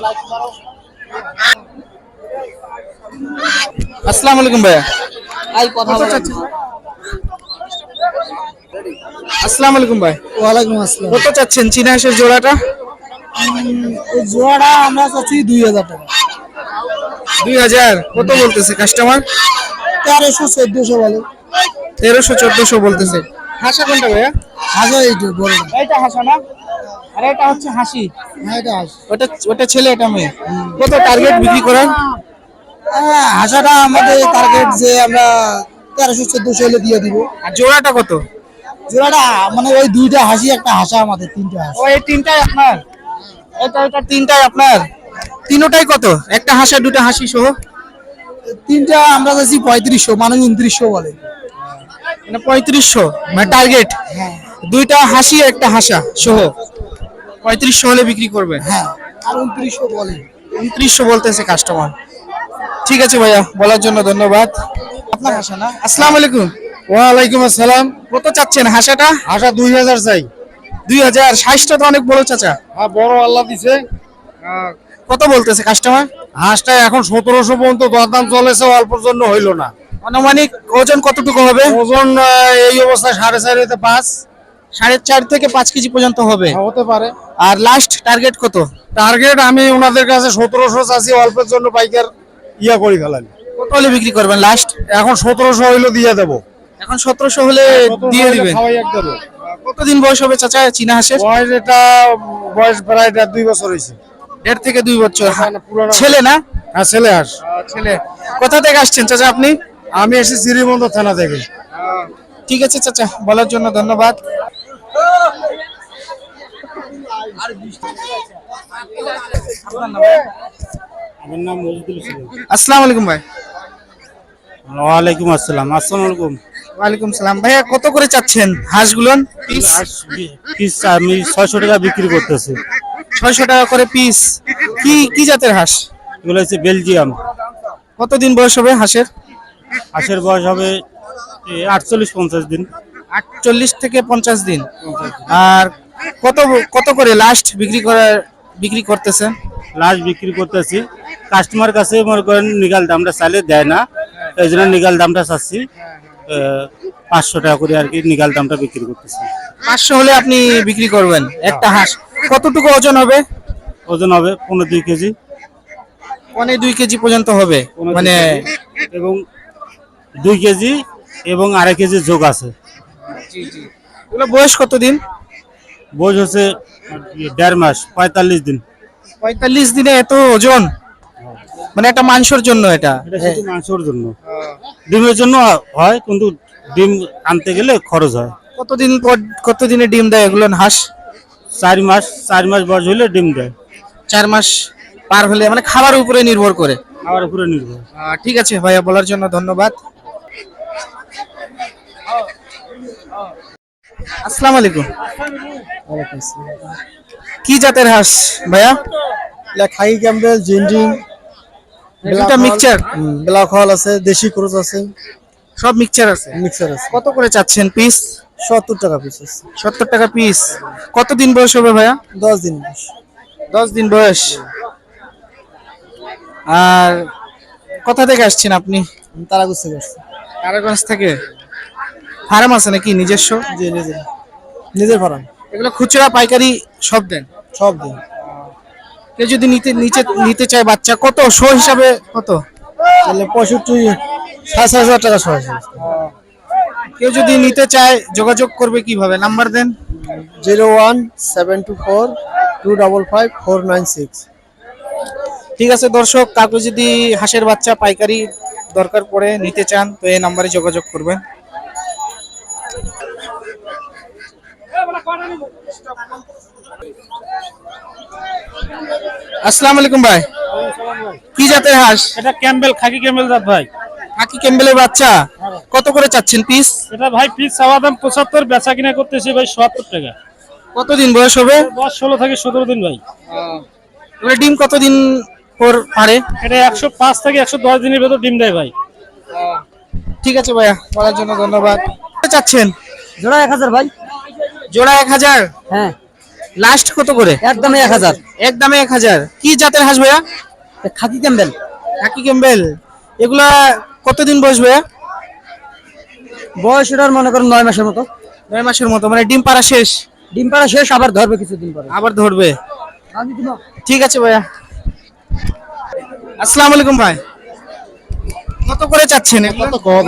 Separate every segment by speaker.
Speaker 1: আসসালামু আলাইকুম ভাইয়া। আসসালামু আলাইকুম ভাই।
Speaker 2: ওয়ালাইকুম আসসালাম।
Speaker 1: কত চাচ্ছেন চীনা হাঁসের জোড়াটা?
Speaker 2: এই জোড়াটা আমরা চাচ্ছি 2000 টাকা।
Speaker 1: 2000 কত বলতেছে কাস্টমার?
Speaker 2: 1300 1400 বলে।
Speaker 1: 1300 1400 বলতেছে। হাসা কোনটা ভাইয়া?
Speaker 2: হাজার এইটা বড়।
Speaker 1: এইটা হাসা না, আর এটা হচ্ছে হাসি।
Speaker 2: হ্যাঁ এটা হাঁস।
Speaker 1: ওটা ওটা ছেলে, এটা মেয়ে। কত টার্গেট বিক্রি করার?
Speaker 2: হাঁসাটা আমাদের টার্গেট যে আমরা 1300 1400 হলে দিয়ে দিব।
Speaker 1: আর জোড়াটা কত?
Speaker 2: জোড়াটা মানে ওই দুইটা হাসি একটা হাসা, আমাদের তিনটা হাঁস।
Speaker 1: ও এই তিনটাই আপনার? এটা তিনটাই আপনার? তিনটাই কত? একটা হাসা দুটো হাসি সহ?
Speaker 2: তিনটা আমরা চাচ্ছি 3500, মানে 2900 বলে।
Speaker 1: মানে 3500 মানে টার্গেট।
Speaker 2: হ্যাঁ
Speaker 1: দুইটা হাসি একটা হাসা সহ 3500 হলে বিক্রি করবে।
Speaker 2: হ্যাঁ, আর 2900 বলে।
Speaker 1: 2900 বলতেছে কাস্টমার। ঠিক আছে ভাইয়া, বলার জন্য ধন্যবাদ। আপনার হাসা না? আসসালামু আলাইকুম।
Speaker 2: ওয়ালাইকুম আসসালাম।
Speaker 1: কত চাচ্ছেন হাসাটা?
Speaker 2: হাঁসা 2000 চাই।
Speaker 1: 2000। সাইজটা তো অনেক বড় চাচা।
Speaker 2: হ্যাঁ বড় আল্লাহ দিছে।
Speaker 1: কত বলতেছে কাস্টমার?
Speaker 2: হাঁসটা এখন 1700 পর্যন্ত দরদাম চলেছে, অল্পর জন্য হইলো না।
Speaker 1: আনুমানিক ওজন কতটুকু হবে?
Speaker 2: ওজন এই অবস্থায় 4.5 হতে 5।
Speaker 1: 4.5 থেকে 5 কেজি পর্যন্ত হবে।
Speaker 2: হতে পারে।
Speaker 1: আর লাস্ট টার্গেট কত?
Speaker 2: টার্গেট আমি ওনাদের কাছে 1700 চাচ্ছি, অল্পের জন্য পাইকার করি ফেলানি।
Speaker 1: কত হলে বিক্রি করবেন লাস্ট?
Speaker 2: এখন 1700 হইলো দিয়ে দেবো।
Speaker 1: এখন 1700 হলে দিয়ে দিবেন।
Speaker 2: খাওয়াই এক দেবো।
Speaker 1: কতদিন বয়স হবে চাচা চীনা হাঁসের?
Speaker 2: বয়স প্রায় 1.5 বছর হয়েছে।
Speaker 1: 1.5 থেকে 2 বছর।
Speaker 2: পুরানো।
Speaker 1: ছেলে না?
Speaker 2: হ্যাঁ ছেলে হাঁস।
Speaker 1: ছেলে। কোথা থেকে আসছেন চাচা আপনি?
Speaker 2: আমি এসেছি শ্রীমন্ত থানা থেকে।
Speaker 1: ঠিক আছে চাচা, বলার জন্য ধন্যবাদ।
Speaker 2: আমার নাম মজিদুল ইসলাম।
Speaker 1: আসসালামু আলাইকুম ভাই।
Speaker 2: ওয়ালাইকুম আসসালাম। আসসালামু আলাইকুম।
Speaker 1: ওয়ালাইকুম সালাম। ভাইয়া কত করে চাচ্ছেন হাঁসগুলো পিস?
Speaker 2: পিস আমি 600 টাকা বিক্রি করতেছি।
Speaker 1: 600 টাকা করে পিস। কি কি জাতের হাঁস?
Speaker 2: এগুলো হচ্ছে বেলজিয়াম।
Speaker 1: কতদিন বয়স হবে হাঁসের?
Speaker 2: হাঁসের বয়স হবে 48-50 দিন।
Speaker 1: 48 থেকে 50 দিন। আর কত কত করে লাস্ট বিক্রি করতেছেন?
Speaker 2: লাস্ট বিক্রি করতেছি কাস্টমার কাছে, মনে করেন নিগাল দামটা চাইলে দেয় না, এই জন্য নিগাল দামটা চাচ্ছি 500 টাকা করে আর কি নিগাল দামটা বিক্রি করতেছি।
Speaker 1: 500 হলে আপনি বিক্রি করবেন একটা হাঁস। কতটুকু ওজন হবে?
Speaker 2: ওজন হবে 15-2 কেজি।
Speaker 1: 2 কেজি পর্যন্ত হবে মানে?
Speaker 2: এবং 2 কেজি এবং 2.5 কেজি যোগ আছে।
Speaker 1: এগুলো বয়স কতদিন?
Speaker 2: বয়স হচ্ছে 1.5 মাস, 45 দিন।
Speaker 1: 45 দিনে এত ওজন? মানে একটা মাংসের জন্য এটা?
Speaker 2: এটা শুধু মাংসের জন্য, ডিমের জন্য হয়, কিন্তু ডিম আনতে গেলে খরচ হয়।
Speaker 1: কতদিন পর কতদিনে ডিম দেয় এগুলো হাঁস?
Speaker 2: 4 মাস। 4 মাস বয়স হলে ডিম দেয়।
Speaker 1: 4 মাস পার হলে, মানে খাবার উপরে নির্ভর করে?
Speaker 2: খাবার উপরে নির্ভর।
Speaker 1: ঠিক আছে ভাইয়া, বলার জন্য ধন্যবাদ। আসসালামু আলাইকুম। কি জাতের হাঁস ভাইয়া?
Speaker 2: খাই ক্যাম্বেল, জিঞ্জিং,
Speaker 1: দুটা মিক্সচার?
Speaker 2: ব্ল্যাক হল আছে, দেশি ক্রুজ আছে,
Speaker 1: সব মিক্সচার আছে?
Speaker 2: মিক্সার আছে।
Speaker 1: কত করে চাচ্ছেন পিস?
Speaker 2: 70 টাকা পিস আছে।
Speaker 1: 70 টাকা পিস। কতদিন বয়স হবে ভাইয়া?
Speaker 2: 10 দিন বয়স।
Speaker 1: 10 দিন বয়স। আর কোথা থেকে আসছেন আপনি?
Speaker 2: তারাগুছ থেকে আসছে।
Speaker 1: তারাগঞ্জ থেকে। ফার্ম আছে নাকি নিজস্ব?
Speaker 2: জি নিজের ফার্ম।
Speaker 1: এগুলো খুচরা পাইকারি সব দেন?
Speaker 2: সব দিন।
Speaker 1: কেউ যদি নিতে চায় বাচ্চা, কত শো হিসাবে কত?
Speaker 2: তাহলে 65-7000 টাকা সহ।
Speaker 1: কেউ যদি নিতে চায় যোগাযোগ করবে কিভাবে? নাম্বার দেন।
Speaker 2: 01724255496।
Speaker 1: ঠিক আছে দর্শক, কাউকে যদি হাঁসের বাচ্চা পাইকারি দরকার পড়ে নিতে চান তো এই নাম্বারে যোগাযোগ করবেন। আসসালামু আলাইকুম ভাই। কি জাতের হাঁস?
Speaker 3: এটা ক্যাম্বেল, খাকি ক্যাম্বেল জাত ভাই।
Speaker 1: খাকি ক্যাম্বেলের বাচ্চা। কত করে চাচ্ছেন পিস?
Speaker 3: এটা ভাই পিস চাওয়া দাম 75, বেচা কিনা করতেছি ভাই 70 টাকা।
Speaker 1: কতদিন বয়স হবে?
Speaker 3: বয়স 16 থেকে 17 দিন ভাই।
Speaker 1: এগুলো ডিম কতদিন পর পারে?
Speaker 3: এটা 105 থেকে 110 দিনের ভেতর ডিম দেয় ভাই।
Speaker 1: ঠিক আছে ভাইয়া, বলার জন্য ধন্যবাদ। কত চাচ্ছেন?
Speaker 2: জোড়া 1000 ভাই।
Speaker 1: জোড়া 1000?
Speaker 2: হ্যাঁ।
Speaker 1: লাস্ট কত করে?
Speaker 4: একদমই 1000।
Speaker 1: একদমে 1000। কি জাতের হাঁস ভাইয়া?
Speaker 4: Khaki Campbell.
Speaker 1: Khaki Campbell. এগুলা কতদিন বসবে?
Speaker 4: বয়স এটার মনে করেন 9 মাসের মতো।
Speaker 1: 9 মাসের মতো, মানে ডিম পাড়া শেষ?
Speaker 4: ডিম পাড়া শেষ, আবার ধরবে কিছুদিন পরে।
Speaker 1: আবার ধরবে। ঠিক আছে ভাইয়া। আসসালামু আলাইকুম ভাই। কত করে চাচ্ছেন এগুলো?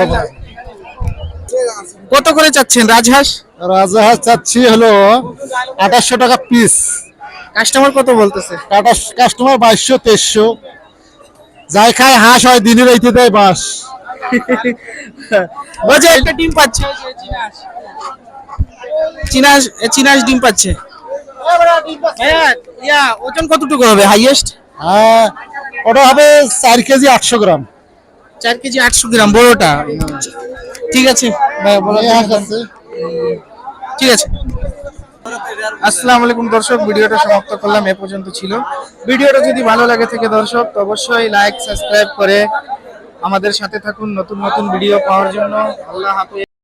Speaker 1: কত করে চাচ্ছেন রাজহাঁস?
Speaker 5: রাজাহাঁস চাচ্ছি হলো 2800 টাকা পিস।
Speaker 1: কাস্টমার কত বলতেছে?
Speaker 5: কাস্টমার 2200 2300। যাই খায় হাঁস হয়, দিনের রাইতে দেয় বাস।
Speaker 1: ওই যে একটা ডিম পাচ্ছে, চিনাস চিনাস ডিম পাচ্ছে। ভাইয়া ইয়া ওজন কতটুকু হবে হাইয়েস্ট?
Speaker 5: হ্যাঁ, ওটা হবে 4 কেজি 800 গ্রাম।
Speaker 1: 4 কেজি 800 গ্রাম বড়টা। ঠিক আছে ভাইয়া, বলো
Speaker 5: এই হাঁস আছে।
Speaker 1: ঠিক আছে। আসসালামু আলাইকুম দর্শক, ভিডিওটা সমাপ্ত করলাম, এ পর্যন্ত ছিল। ভিডিওটা যদি ভালো লাগে থাকে দর্শক, তো অবশ্যই লাইক সাবস্ক্রাইব করে আমাদের সাথে থাকুন নতুন নতুন ভিডিও পাওয়ার জন্য। আল্লাহ হাফেজ।